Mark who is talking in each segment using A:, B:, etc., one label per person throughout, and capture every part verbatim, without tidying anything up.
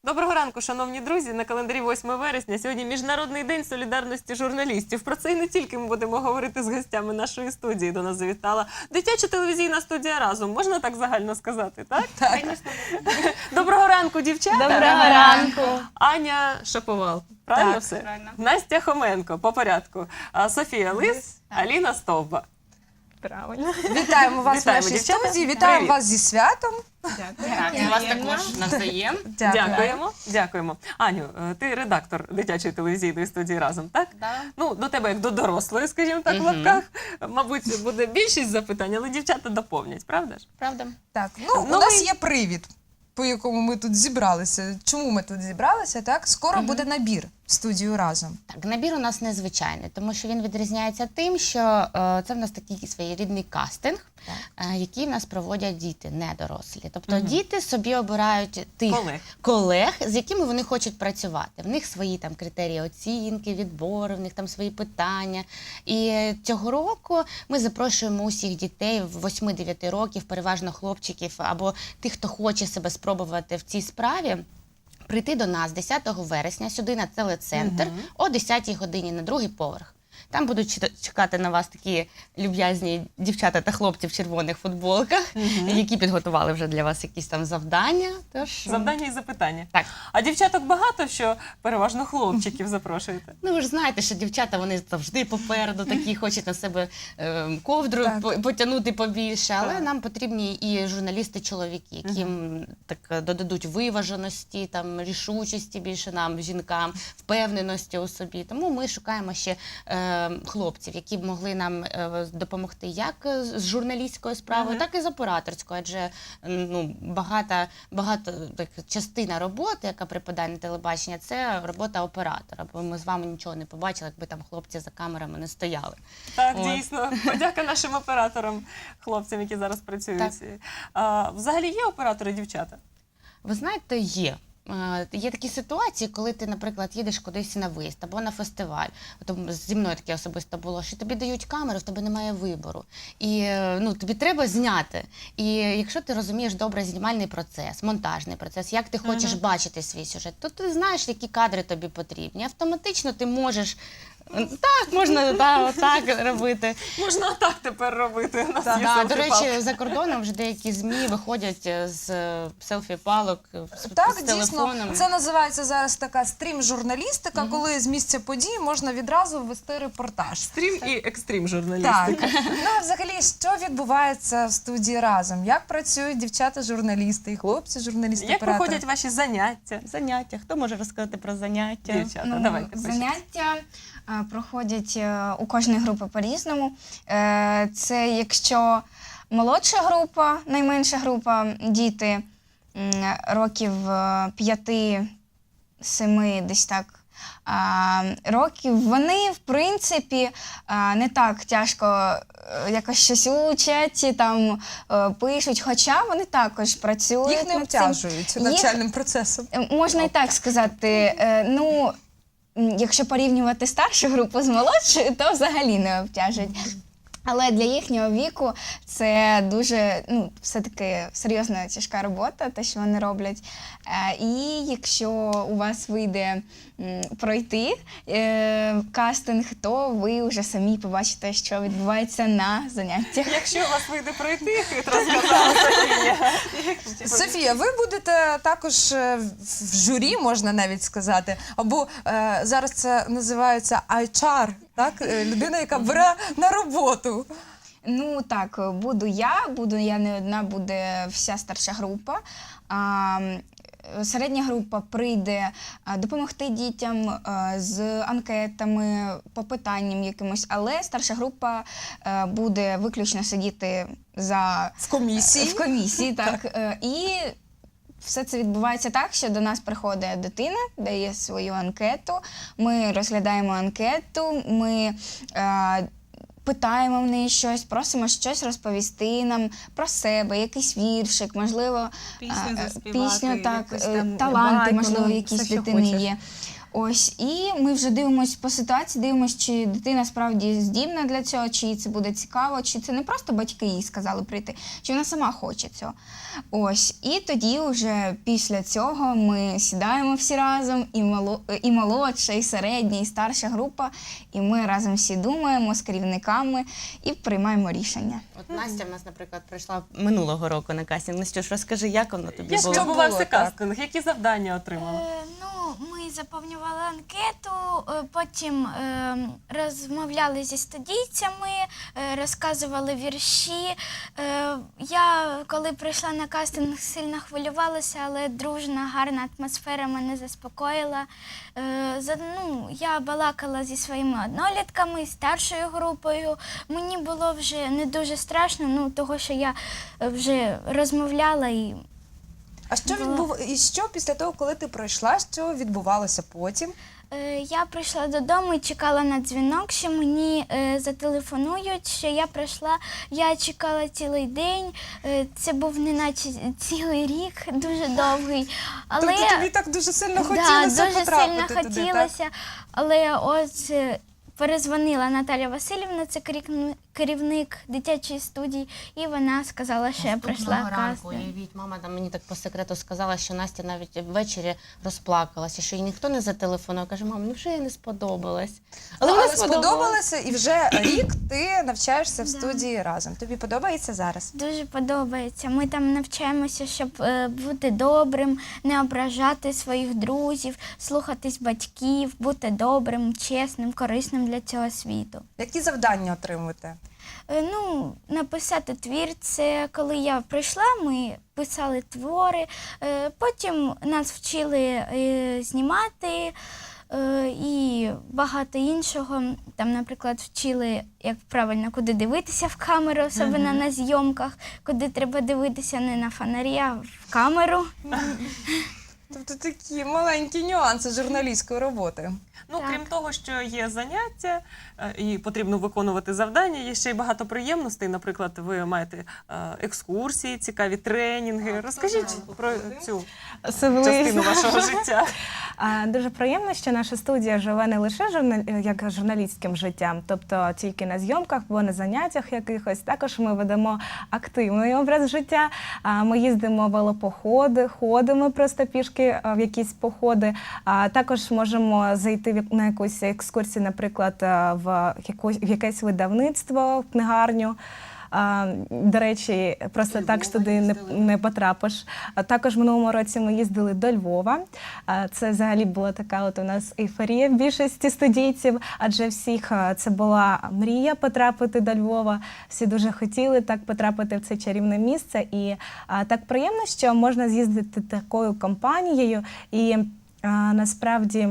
A: Доброго ранку, шановні друзі. На календарі восьме вересня. Сьогодні Міжнародний день солідарності журналістів. Про це і не тільки ми будемо говорити з гостями нашої студії. До нас завітала дитяча телевізійна студія «Разом». Можна так загально сказати, так?
B: Так.
A: Доброго ранку, дівчата.
B: Доброго ранку.
A: Aня Шаповал. Правильно
B: Так,
A: все?
B: правильно.
A: Настя Хоменко, по порядку. А, Софія Лис, Аліна Стовба.
B: Правильно.
C: Вітаємо вас
A: Вітаємо,
C: в нашій
A: дівчата.
C: студії, вітаємо
A: Привіт.
C: вас зі святом.
B: Дякую. І вас також навзаєм.
A: Дякуємо. Дякуємо. Аню, е, ти редактор дитячої телевізійної студії «Разом», так?
B: Да.
A: Ну, до тебе як до дорослої, скажімо так, в
B: Мгм.
A: лапках. Мабуть, буде більшість запитань, але дівчата доповнять, правда ж?
B: Правда?
C: Так, ну,
A: Ну,
C: у нас
A: ми-
C: є привід, по якому ми тут зібралися. Чому ми тут зібралися, так? Скоро буде набір в студію «Разом».
D: Так, набір у нас незвичайний, тому що він відрізняється тим, що е, це в нас такий своєрідний кастинг, е, який в нас проводять діти, не дорослі. Тобто
A: Мгм.
D: діти собі обирають тих
A: Колег.
D: колег, з якими вони хочуть працювати. В них свої там критерії оцінки, відбори, в них там свої питання. І цього року ми запрошуємо усіх дітей восьми-дев'яти років, переважно хлопчиків, або тих, хто хоче себе спробувати в цій справі, прийти до нас десятого вересня сюди на телецентр
A: Мгм.
D: о десятій годині на другий поверх. Там будуть чita- чекати на вас такі люб'язні дівчата та хлопці в червоних футболках, які підготували вже для вас якісь там завдання. Тож,
A: Завдання і запитання.
D: Так.
A: А дівчаток багато, що переважно хлопчиків запрошуєте?
D: Ну, ви ж знаєте, що дівчата, вони завжди попереду, такі хочуть на себе е, ковдру
C: Так.
D: по- потягнути побільше, але
A: Так.
D: нам потрібні і журналісти-чоловіки, які м, так е, додадуть виваженості, там, рішучості більше нам, жінкам, впевненості у собі. Тому ми шукаємо ще е, хлопців, які б могли нам е, допомогти як з журналістською справою,
A: Мгм.
D: так і з операторською, адже ну, багата, багато так, частина роботи, яка припадає на телебачення, це робота оператора, бо ми з вами нічого не побачили, якби там хлопці за камерами не стояли.
A: Так,
D: От.
A: дійсно. Подяка нашим операторам, хлопцям, які зараз працюють.
D: Так.
A: А, взагалі є оператори дівчата?
D: Ви знаєте, є. Е, Є такі ситуації, коли ти, наприклад, їдеш кудись на виїзд або на фестиваль. От зі мною таке особисто було, що тобі дають камеру, в тебе немає вибору. І е, ну, тобі треба зняти. І якщо ти розумієш добре знімальний процес, монтажний процес, як ти хочеш
A: Мгм.
D: бачити свій сюжет, то ти знаєш, які кадри тобі потрібні. Автоматично ти можеш, е, так, можна да, отак робити.
A: Можна так тепер робити. У нас є
D: Да, до
A: селфі-палка.
D: речі, за кордоном вже деякі ЗМІ виходять е, з е, селфі-палок, е, з,
C: Так,
D: з
C: дійсно,
D: телефоном.
C: це називається зараз така стрім-журналістика, коли з місця подій можна відразу ввести репортаж.
A: Стрім і екстрім
C: Так.
A: журналістика.
C: Ну, а взагалі, що відбувається в студії «Разом»? Як працюють дівчата-журналісти і хлопці-журналісти?
A: Як
C: оператори?
A: проходять ваші заняття?
D: Заняття. Хто може розказати про заняття?
A: Дівчата,
E: Ну,
A: давайте почнемо.
E: заняття е, проходять е, у кожної групи по-різному. Е, Це якщо молодша група, найменша група, діти м, років е, п'яти-семи, десь так. а, Років, вони, в принципі, а, не так тяжко е, якось щось учать, там е, пишуть, хоча вони також працюють.
C: Їх не
E: над цим.
C: обтяжують
E: Їх-
C: навчальним процесом.
E: Е, Можна і так сказати. Е, Ну, м, якщо порівнювати старшу групу з молодшою, то взагалі не обтяжують. Але для їхнього віку це дуже, ну, все-таки серйозна тяжка робота, те, що вони роблять. Е, І якщо у вас вийде м, пройти е, кастинг, то ви вже самі побачите, що відбувається на заняттях.
A: Якщо у вас вийде пройти, хитро сказала Софія.
C: Софія, ви будете також е, в журі, можна навіть сказати, або е, зараз це називається ейч ар, так? Е, людина, яка бере на роботу.
E: Ну так, буду я, буду я не одна, буде вся старша група. А, м, середня група прийде а, допомогти дітям а, з анкетами, по питанням якимось, але старша група а, буде виключно сидіти за
C: В комісії.
E: в комісії, так. Е, І все це відбувається так, що до нас приходить дитина, дає свою анкету, ми розглядаємо анкету, ми е, питаємо в неї щось, просимо щось розповісти нам про себе, якийсь віршик, можливо,
B: Пісню
E: е,
B: заспівати,
E: пісню, так,
B: якусь
E: е,
B: там
E: таланти,
B: байку,
E: можливо,
B: ну,
E: якісь
B: все, що
E: дитини
B: хочеш.
E: є. Ось, і ми вже дивимося по ситуації, дивимося, чи дитина справді здібна для цього, чи їй це буде цікаво, чи це не просто батьки їй сказали прийти, чи вона сама хоче цього. Ось, і тоді вже після цього ми сідаємо всі разом, і, мало, і молодша, і середня, і старша група, і ми разом всі думаємо з керівниками і приймаємо рішення.
D: От Настя в нас, наприклад, прийшла минулого року на кастинг. Настюш, розкажи, як воно тобі
A: Як
D: було?
A: відбувався
C: було, так?
A: кастинг? Які завдання отримали?
F: Е, Ну, ми заповнювали анкету, е, потім е, розмовляли зі студійцями, е, розказували вірші. Е, Я, коли прийшла на кастинг, сильно хвилювалася, але дружна, гарна атмосфера мене заспокоїла. Е, за- ну, Я балакала зі своїми однолітками, старшою групою. Мені було вже не дуже страшно, ну, того, що я е, вже розмовляла і
C: А що відбув... і що після того, коли ти пройшла, що відбувалося потім?
F: Е, Я прийшла додому і чекала на дзвінок, що мені е, зателефонують, що я прийшла. Я чекала цілий день. Е, це був неначе цілий рік, дуже довгий. Але
C: Тобто тобі так дуже сильно
F: да,
C: хотілося
F: дуже
C: потрапити
F: сильно
C: туди,
F: хотілося. Але ось е, перезвонила Наталя Васильівна, це керівник- керівник дитячої студії, і вона сказала, що я пройшла
D: Наступного ранку,
F: кастинг.
D: уявіть, мама там мені так по секрету сказала, що Настя навіть ввечері розплакалася, що їй ніхто не зателефонував. Каже, мам, ну вже їй не сподобалось.
C: Але,
D: вона
C: але сподобалося, і вже рік ти навчаєшся в студії разом. Тобі подобається зараз?
F: Дуже подобається. Ми там навчаємося, щоб е, бути добрим, не ображати своїх друзів, слухатись батьків, бути добрим, чесним, корисним для цього світу.
C: Які завдання отримуєте?
F: Е, Ну, написати твір, це коли я прийшла, ми писали твори, е, потім нас вчили е, знімати е, і багато іншого. Там, наприклад, вчили, як правильно, куди дивитися в камеру, особливо на зйомках, куди треба дивитися не на фонарі, а в камеру.
C: Тобто такі маленькі нюанси журналістської роботи.
A: Ну,
F: Так.
A: крім того, що є заняття е, і потрібно виконувати завдання, є ще й багато приємностей. Наприклад, ви маєте е, екскурсії, цікаві тренінги. Розкажіть про цю частину вашого життя.
B: А, Дуже приємно, що наша студія живе не лише журнал... як журналістським життям, тобто тільки на зйомках або на заняттях якихось. Також ми ведемо активний образ життя. А, Ми їздимо в велопоходи, ходимо просто пішки а, в якісь походи. А також можемо зайти в як- на якусь екскурсію, наприклад, а, в якусь в якесь видавництво, в книгарню. А, До речі, просто так ж туди не, не потрапиш. А також в минулому році ми їздили до Львова. А, Це взагалі була така от у нас ейфорія в більшості студійців, адже всіх а, це була мрія потрапити до Львова. Всі дуже хотіли так потрапити в це чарівне місце. І а, так приємно, що можна з'їздити такою компанією і а, насправді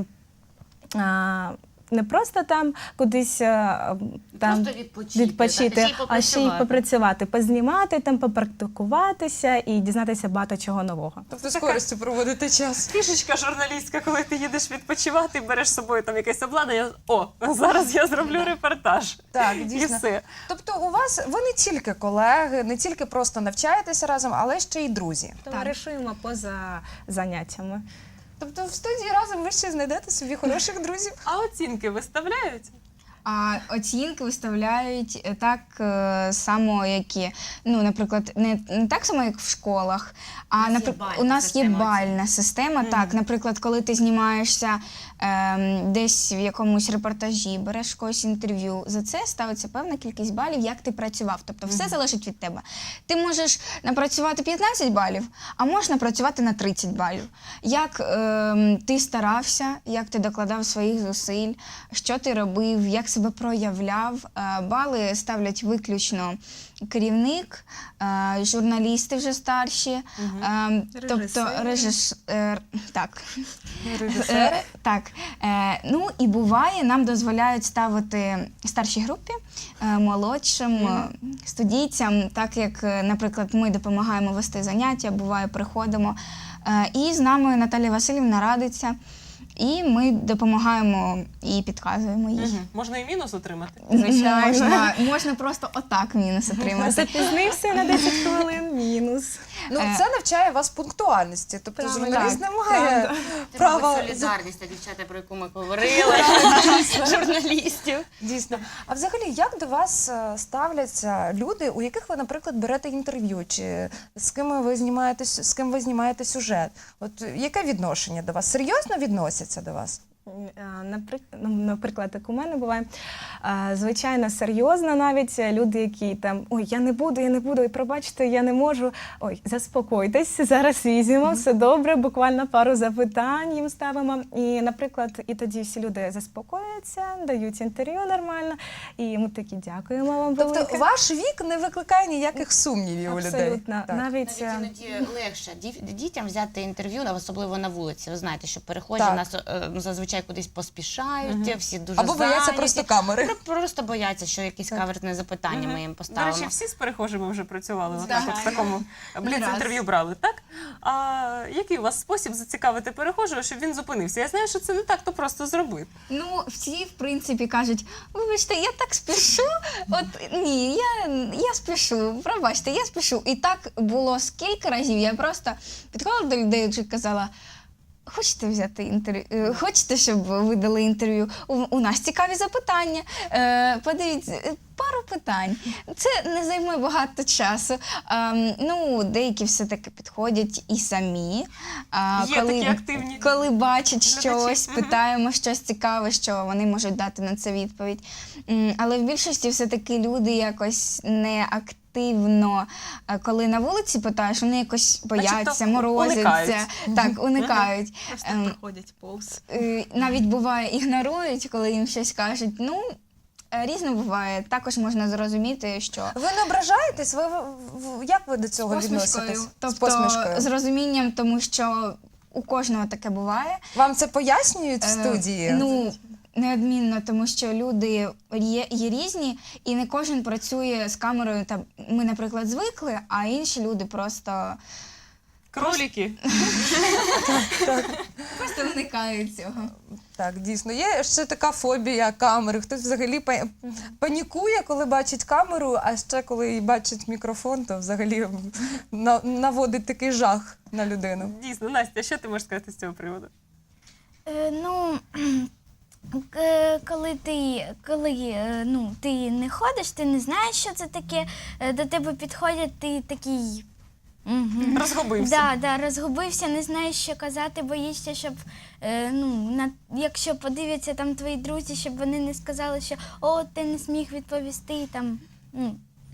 B: а, не просто там кудись а, там
D: Просто відпочити,
B: відпочити,
D: так, а ще й
B: а ще й
D: попрацювати.
B: попрацювати, познімати, там попрактикуватися і дізнатися багато чого нового.
C: Тобто з користю проводити час.
A: Фішечка журналістська, коли ти їдеш відпочивати, береш з собою там якесь обладнання. О, зараз я зроблю репортаж.
C: Так,
A: І
C: дійсно.
A: все.
C: Тобто у вас ви не тільки колеги, не тільки просто навчаєтеся разом, але ще й друзі.
B: Товаришуємо поза заняттями.
C: Тобто в студії разом ви ще знайдете собі хороших друзів.
A: А оцінки виставляють?
E: А оцінки виставляють е, так е, само, як і, ну, наприклад, не, не так само, як в школах, а
D: У нас є
E: наприклад,
D: бальна
E: у нас є
D: система
E: бальна система. Так, наприклад, коли ти знімаєшся ем, десь в якомусь репортажі, береш когось інтерв'ю, за це ставиться певна кількість балів, як ти працював. Тобто все залежить від тебе. Ти можеш напрацювати п'ятнадцять балів, а можеш напрацювати на тридцять балів. Як ем, ти старався, як ти докладав своїх зусиль, що ти робив, як себе проявляв. Е, Бали ставлять виключно керівник, е, журналісти вже старші, е, тобто
B: Режисери.
E: режис... е, так.
C: Режисери.
E: Е, так. Е, ну і буває, нам дозволяють ставити старшій групі, е, молодшим е, студійцям, так як, е, наприклад, ми допомагаємо вести заняття, буває, приходимо. Е, і з нами Наталія Васильівна радиться. І ми допомагаємо і підказуємо їй.
A: Мгм. Можна і мінус отримати?
E: Можна, можна просто отак мінус отримати.
B: Запізнився на десять хвилин, мінус.
C: Ну,
E: Е,
C: це навчає вас пунктуальності. Тобто
B: Правда.
C: журналіст не
B: Так,
C: має
B: правда.
C: права...
D: Це солідарність, та дівчата, про яку ми говорили, журналістів.
C: Дійсно. А взагалі, як до вас е, ставляться люди, у яких ви, наприклад, берете інтерв'ю, чи з ким ви знімаєте, с- з ким ви знімаєте сюжет? От е, яке відношення до вас? Серйозно відносяться до вас?
B: Наприклад, наприклад, як у мене буває, а, звичайно, серйозно навіть люди, які там ой, я не буду, я не буду, і пробачте, я не можу. Ой, заспокойтесь, зараз візьмемо, все добре, буквально пару запитань їм ставимо. І, наприклад, і тоді всі люди заспокоюються, дають інтерв'ю нормально, і ми такі дякуємо вам велике.
C: Тобто ваш вік не викликає ніяких сумнівів у людей?
B: Абсолютно.
C: Так.
B: Навіть,
D: Навіть
B: е,
D: іноді легше дів- дітям взяти інтерв'ю, особливо на вулиці. Ви знаєте, що перехожі
C: Так.
D: в нас е, ну, зазвичай кудись поспішають, всі дуже
C: Або бояться
D: зайняті.
C: просто камери.
D: Про- Просто бояться, що якесь каверзне запитання ми їм
A: До
D: поставимо.
A: речі, всі з перехожими вже працювали, отак
E: Так.
A: от в такому бліц-інтерв'ю брали, так? А який у вас спосіб зацікавити перехожого, щоб він зупинився? Я знаю, що це не так, то просто зробити.
E: Ну, всі, в принципі, кажуть, вибачте, я так спішу. От ні, я, я спішу, пробачте, я спішу. І так було скільки разів. Я просто підходила до людей і казала. Хочете взяти інтерв'ю? Хочете, щоб ви дали інтерв'ю? У, у нас цікаві запитання. Е, подивіться, е, пару питань. Це не займе багато часу. Ем, ну, деякі все-таки підходять і самі. А,
A: Є такі активні
E: коли бачать
A: глядачі.
E: щось,
A: Мгм.
E: питаємо щось цікаве, що вони можуть дати на це відповідь. М, Але в більшості все-таки люди якось не активно, а коли на вулиці питаєш, вони якось бояться,
A: Начебто
E: морозяться.
A: уникають.
E: Так, уникають.
B: просто
E: Ем,
B: проходять повз.
E: Е, Навіть буває ігнорують, коли їм щось кажуть. Ну, е, різно буває. Також можна зрозуміти, що
C: Ви не ображаєтесь? Ви, в- в- як ви до цього відноситесь?
E: Тобто
C: З посмішкою.
E: з розумінням, тому що у кожного таке буває.
C: Вам це пояснюють в
E: Е,
C: студії?
E: Ну, неодмінно, тому що люди є, є різні, і не кожен працює з камерою. Там, ми, наприклад, звикли, а інші люди просто,
A: Кроліки.
E: просто уникають цього.
C: Так, дійсно. Є ще така фобія камери. Хтось взагалі па- панікує, коли бачить камеру, а ще коли бачить мікрофон, то взагалі на- наводить такий жах на людину.
A: Дійсно, Настя, що ти можеш сказати з цього приводу?
F: Е, ну, к- коли ти, коли, е, ну, ти не ходиш, ти не знаєш, що це таке, е, до тебе підходять, ти такий. Угу.
A: Розгубився.
F: Да, да, розгубився, не знаєш, що казати, боїшся, щоб е, ну, на, якщо подивляться там твої друзі, щоб вони не сказали, що о, ти не зміг відповісти там. Ну,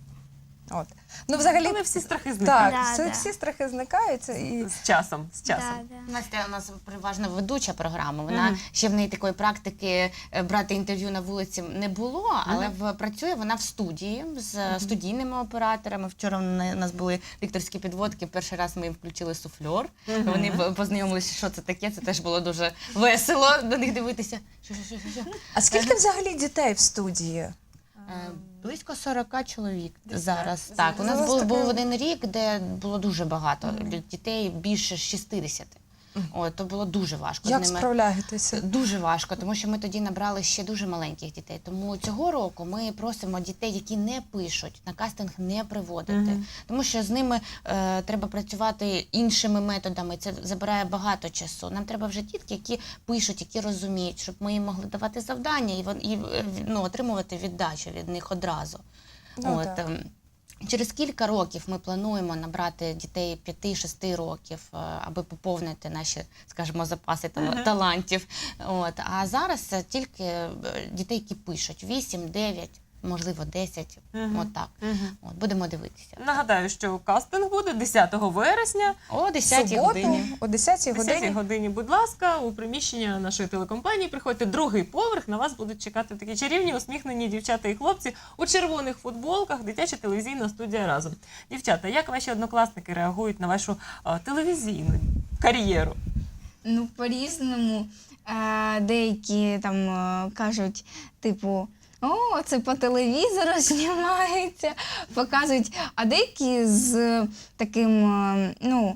C: От. Ну, взагалі,
A: Але всі страхи зникають.
C: так,
F: Да,
C: це
F: да.
C: всі страхи зникають. І...
A: З часом, з часом.
F: да, да.
D: Настя у нас переважно ведуча програма. Вона
A: Мгм.
D: ще в неї такої практики е, брати інтерв'ю на вулиці не було, але в працює вона в студії з е, студійними операторами. Вчора на- у нас були дикторські підводки. Перший раз ми їм включили суфльор. Вони б- познайомилися, що це таке. Це теж було дуже весело до них дивитися. Що, що, що, що, що?
C: А скільки взагалі дітей в студії?
D: Е, Близько сорока чоловік зараз.
A: так.
D: Так, у нас
C: Зараз
D: був,
C: таке-
D: був один рік, де було дуже багато дітей, більше шістдесят. От, то було дуже важко
C: Як
D: з ними.
C: справляєтеся?
D: Дуже важко, тому що ми тоді набрали ще дуже маленьких дітей. Тому цього року ми просимо дітей, які не пишуть, на кастинг не приводити.
A: Мгм.
D: Тому що з ними е, треба працювати іншими методами. Це забирає багато часу. Нам треба вже дітки, які пишуть, які розуміють, щоб ми їм могли давати завдання і, вон- і е, ну, отримувати віддачу від них одразу.
C: Ну,
D: От,
C: так.
D: ем, Через кілька років ми плануємо набрати дітей п'яти-шести років, е, аби поповнити наші, скажімо, запаси тал- талантів. От. А зараз це тільки е, дітей, які пишуть вісім, дев'ять, можливо, десять.
A: Мгм.
D: От так.
A: Мгм.
D: От, будемо дивитися.
A: Нагадаю, що кастинг буде десятого вересня.
D: О десятій
C: Суботу
D: годині.
C: о десятій
A: О десятій
C: годині.
A: годині, будь ласка, у приміщення нашої телекомпанії. Приходьте другий поверх, на вас будуть чекати такі чарівні, усміхнені дівчата і хлопці у червоних футболках, дитяча телевізійна студія разом. Дівчата, як ваші однокласники реагують на вашу а, телевізійну кар'єру?
E: Ну, по-різному. Е, Деякі там е, кажуть, типу, о, це по телевізору знімається, показують. А деякі з таким, е, ну,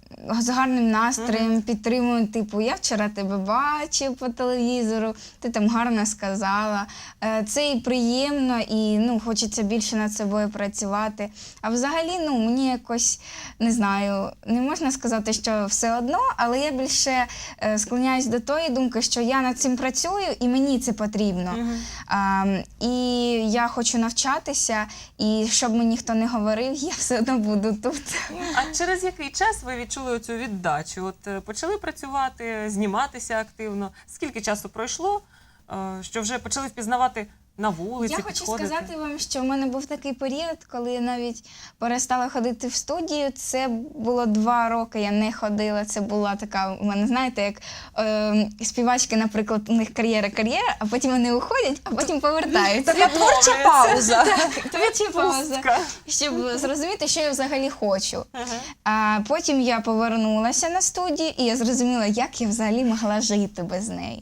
E: з гарним настроєм підтримують, типу, я вчора тебе бачив по телевізору, ти там гарно сказала. Е, Це і приємно, і ну, хочеться більше над собою працювати. А взагалі, ну, мені якось, не знаю, не можна сказати, що все одно, але я більше е, склоняюсь до тої думки, що я над цим працюю і мені це потрібно. А, і я хочу навчатися, і щоб мені ніхто не говорив, я все одно буду тут.
A: А через який час ви відчули цю віддачу? От е, почали працювати, зніматися активно. Скільки часу пройшло, е, що вже почали впізнавати на вулиці,
E: Я хочу
A: підходити?
E: сказати вам, що в мене був такий період, коли я навіть перестала ходити в студію. Це було два роки, я не ходила. Це була така, у мене, знаєте, як е, співачки, наприклад, у них кар'єра-кар'єра, а потім вони уходять, а потім повертаються.
C: Така творча пауза.
E: Творча пауза.
A: Відпустка.
E: Щоб зрозуміти, що я взагалі хочу. А потім я повернулася на студію, і я зрозуміла, як я взагалі могла жити без неї.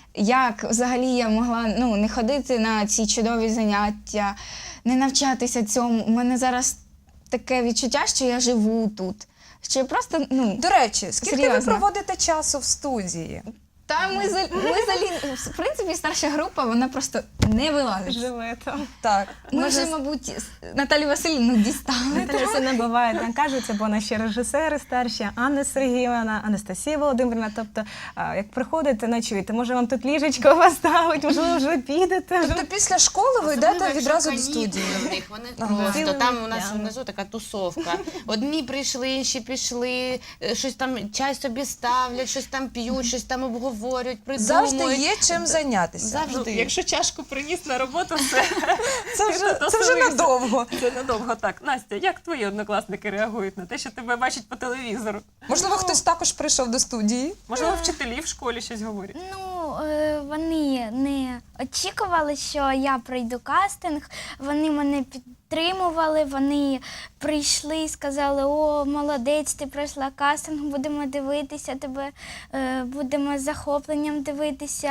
E: Як взагалі я могла ну, не ходити на ці чудові заняття, не навчатися цьому. У мене зараз таке відчуття, що я живу тут. Що я просто, ну,
C: До речі, скільки ви
E: Серйозно.
C: проводите часу в студії?
E: та ми, за- ми залі... в принципі, старша група, вона просто не вилазить.
B: Живе там.
C: Так.
E: Ми
B: Може,
E: вже, мабуть, Наталію Васильівну дістали.
B: Наталя все не буває, там кажуться, бо наші режисери старші, Анна Сергіївна, Анастасія Володимирівна. Тобто, а, як приходите, ночуєте, може вам тут ліжечко поставить, можливо, вже підете.
C: Тобто після школи ви йдете
D: Особливо,
C: відразу до
D: якщо
C: студії?
D: канікули в них, вони
C: Ага.
D: просто,
B: Цілими
D: там у нас
B: днями.
D: внизу така тусовка. Одні прийшли, інші пішли, е, щось там, чай собі ставлять, щось там п'ють, щось там обговорюють, придумують.
C: Завжди є чим зайнятися.
D: Завжди.
A: Ну, якщо чашку приніс на роботу, все.
C: Це вже,
A: Ти
C: це вже
A: доселився.
C: надовго.
A: Це надовго так. Настя, як твої однокласники реагують на те, що тебе бачать по телевізору?
C: Можливо, хтось також прийшов до студії?
A: Можливо, вчителі в школі щось говорять?
F: Ну, е, вони не очікували, що я пройду кастинг. Вони мене підтримували, вони прийшли і сказали: о, молодець, ти пройшла кастинг, будемо дивитися тебе, е, будемо з захопленням дивитися.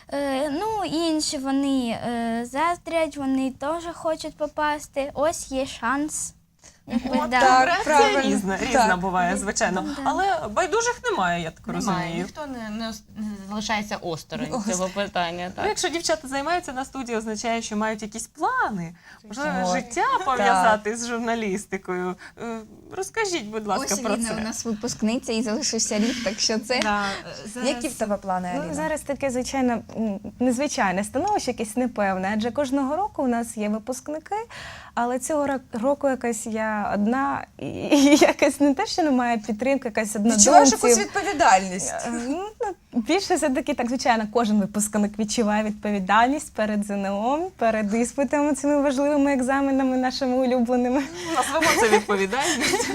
F: Е, ну, інші вони е, заздрять, вони теж хочуть попасти. Ось є шанс. Якби, да.
C: так.
A: Реакція
C: правильно.
A: різна, різна
C: Так.
A: буває, звичайно.
F: Да.
A: Але байдужих немає, я так
D: Немає,
A: розумію.
D: ніхто не, не, ос- не залишається осторонь
C: Ось.
D: цього питання.
A: Ну,
D: Так.
A: якщо дівчата займаються на студії, означає, що мають якісь плани, можливо,
C: Ой.
A: життя пов'язати з журналістикою. Е, Розкажіть, будь ласка,
E: Ось
A: про
E: Ліна у
A: це.
E: нас випускниця і залишився рік, так що це...
B: Да, зараз-
C: Які в тебе плани,
B: Ну,
C: Аліна?
B: зараз таке, звичайно, м, незвичайне становище, якесь непевне, адже кожного року у нас є випускники, але цього ро- року якась я одна, і, і якась не те, що немає підтримки, якась
C: Відчуваєш
B: однодумців.
C: якусь відповідальність?
B: Е, ну, Більше все-таки, так, звичайно, кожен випускник відчуває відповідальність перед ЗНО, перед іспитами, цими важливими екзаменами, нашими улюбленими.
A: Назвемо це відповідальність.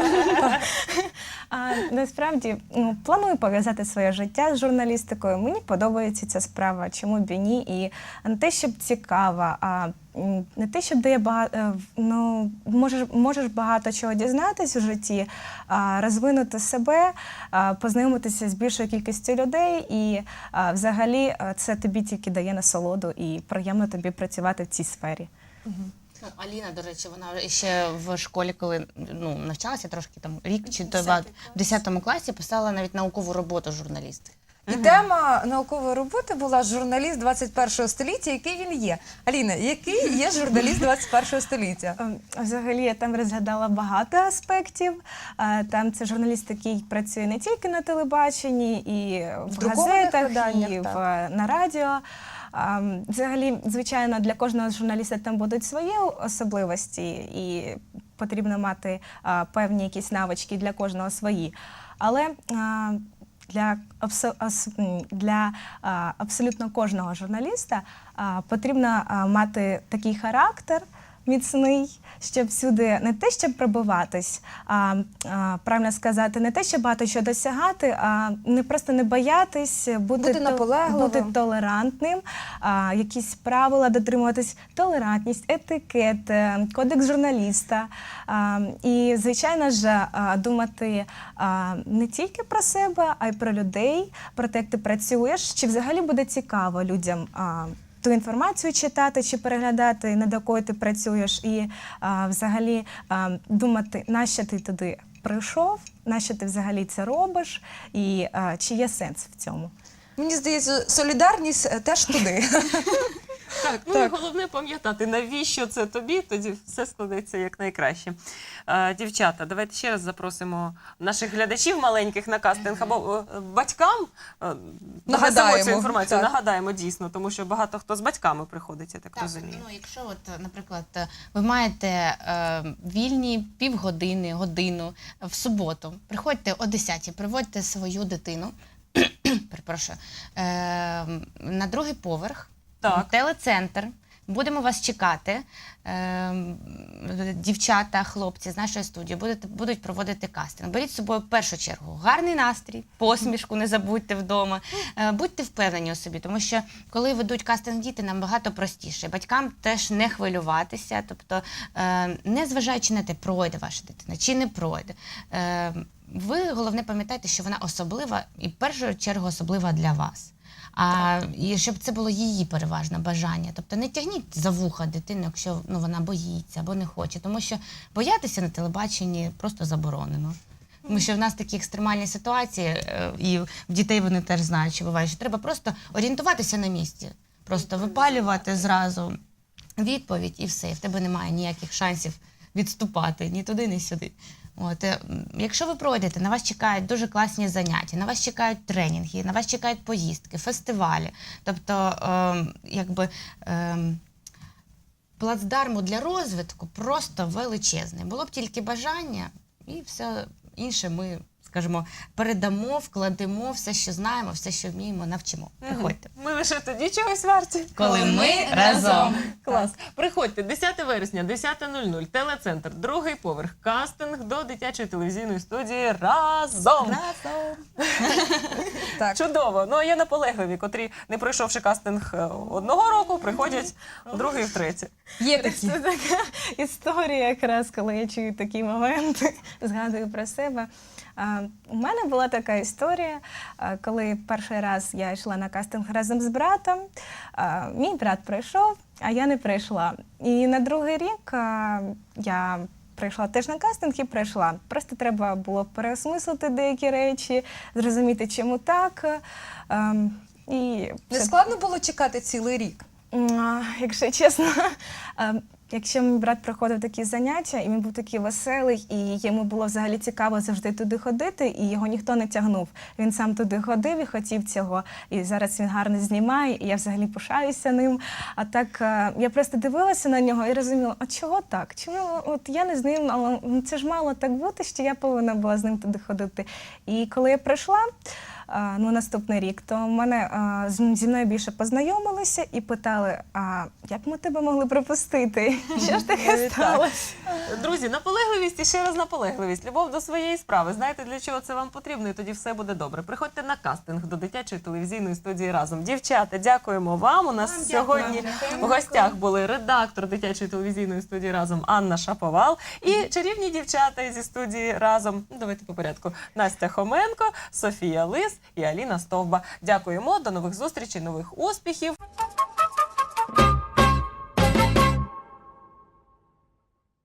B: А насправді ну, планую пов'язати своє життя з журналістикою. Мені подобається ця справа, чому б і ні. І не те, щоб цікава, а м, не те, щоб дає багато, ну, можеш, можеш багато чого дізнатись у житті, а, розвинути себе, а, познайомитися з більшою кількістю людей. І а, взагалі а, це тобі тільки дає насолоду і приємно тобі працювати в цій сфері.
D: Ну, Аліна, до речі, вона ще в школі, коли ну, навчалася трошки там рік чи два, в десятому класі писала навіть наукову роботу журналіст.
C: І тема наукової роботи була «Журналіст двадцять першого століття». Який він є? Аліна, який є журналіст двадцять першого століття?
B: Ем, Взагалі я там розглядала багато аспектів. Е, Там це журналіст, який працює не тільки на телебаченні, і в,
C: друкованих
B: газетах,
C: виданнях,
B: і
C: так.
B: в, на радіо. Ем, Взагалі, звичайно, для кожного журналіста там будуть свої особливості, і потрібно мати е, певні якісь навички для кожного свої. Але е, для, абсо- ас- м, для а, абсолютно кожного журналіста а, потрібно а, мати такий характер міцний, щоб всюди не те, щоб пробиватись, а, а правильно сказати, не те, щоб багато що досягати, а не просто не боятись, бути,
C: Бути
B: то-
C: наполегливим.
B: бути толерантним, а, якісь правила дотримуватись, толерантність, етикет, е, кодекс журналіста. А, і, звичайно ж, а, думати а, не тільки про себе, а й про людей, про те, як ти працюєш, чи взагалі буде цікаво людям а, ту інформацію читати чи переглядати, над якою ти працюєш, і а, взагалі а, думати, нащо ти туди прийшов, нащо ти взагалі це робиш, і а, чи є сенс в цьому?
C: Мені здається, солідарність е, теж туди.
A: Так, ну і головне пам'ятати, навіщо це тобі, тоді все складеться як найкраще. Е, дівчата, давайте ще раз запросимо наших глядачів маленьких на кастинг або е, батькам. Е,
C: Нагадаємо,
A: довеземо цю інформацію,
C: так.
A: нагадаємо дійсно, тому що багато хто з батьками приходить, я так,
D: Так,
A: розумію.
D: ну якщо от, наприклад, ви маєте е, вільні півгодини, годину в суботу, приходьте о десятій, приводьте свою дитину, перепрошую, е, на другий поверх,
A: Так.
D: в телецентр. Будемо вас чекати. Е, дівчата, хлопці з нашої студії будуть, будуть проводити кастинг. Беріть з собою в першу чергу гарний настрій, посмішку не забудьте вдома. Е, будьте впевнені у собі, тому що коли ведуть кастинг діти, набагато простіше. Батькам теж не хвилюватися, тобто е, не зважаючи на те, пройде ваша дитина чи не пройде. Е, ви, головне, пам'ятайте, що вона особлива і в першу чергу особлива для вас. А і щоб це було її переважне бажання. Тобто не тягніть за вуха дитину, якщо ну, вона боїться або не хоче. Тому що боятися на телебаченні просто заборонено. Тому що в нас такі екстремальні ситуації, е, і в дітей вони теж знають, що буває, що треба просто орієнтуватися на місці. Просто випалювати зразу відповідь і все. І в тебе немає ніяких шансів відступати ні туди, ні сюди. От, е, якщо ви пройдете, на вас чекають дуже класні заняття, на вас чекають тренінги, на вас чекають поїздки, фестивалі. Тобто, е, якби е, плацдарму для розвитку просто величезний. Було б тільки бажання, і все інше ми, скажімо, передамо, вкладемо все, що знаємо, все, що вміємо, навчимо. Приходьте.
A: Ми лише тоді чогось варті.
D: Коли ми разом.
A: Клас. Приходьте, десяте вересня, десята нуль нуль, телецентр, другий поверх, кастинг до дитячої телевізійної студії разом.
C: Так.
A: Чудово. Ну, а є наполегливі, котрі, не пройшовши кастинг е, одного року, приходять в другий і в третій.
C: Є такі.
B: Це така історія, якраз коли я чую такі моменти, згадую про себе. А, у мене була така історія, а, коли перший раз я йшла на кастинг разом з братом. А, мій брат прийшов, а я не прийшла. І на другий рік а, я прийшла теж на кастинг і прийшла. Просто треба було переосмислити деякі речі, зрозуміти, чому так. А, і
C: Не
B: це-
C: складно було чекати цілий рік?
B: М, а, Якщо чесно, а, якщо мій брат проходив такі заняття, і він був такий веселий, і йому було взагалі цікаво завжди туди ходити, і його ніхто не тягнув. Він сам туди ходив і хотів цього. І зараз він гарно знімає, і я взагалі пишаюся ним. А так а, я просто дивилася на нього і розуміла, а чого так? Чому от я не з ним, але ну, це ж мало так бути, що я повинна була з ним туди ходити. І коли я прийшла, а, ну, наступний рік, то мене а, з- зі мною більше познайомилися і питали, а як ми тебе могли пропустити? Що ж таке сталося?
A: Друзі, наполегливість і ще раз наполегливість. Любов до своєї справи. Знаєте, для чого це вам потрібно, і тоді все буде добре. Приходьте на кастинг до дитячої телевізійної студії разом. Дівчата, дякуємо вам. У нас сьогодні в гостях були редактор дитячої телевізійної студії разом Анна Шаповал і чарівні дівчата зі студії разом. Ну, давайте по порядку. Настя Хоменко, Софія Лис і Аліна Стовба. Дякуємо, до нових зустрічей, нових успіхів.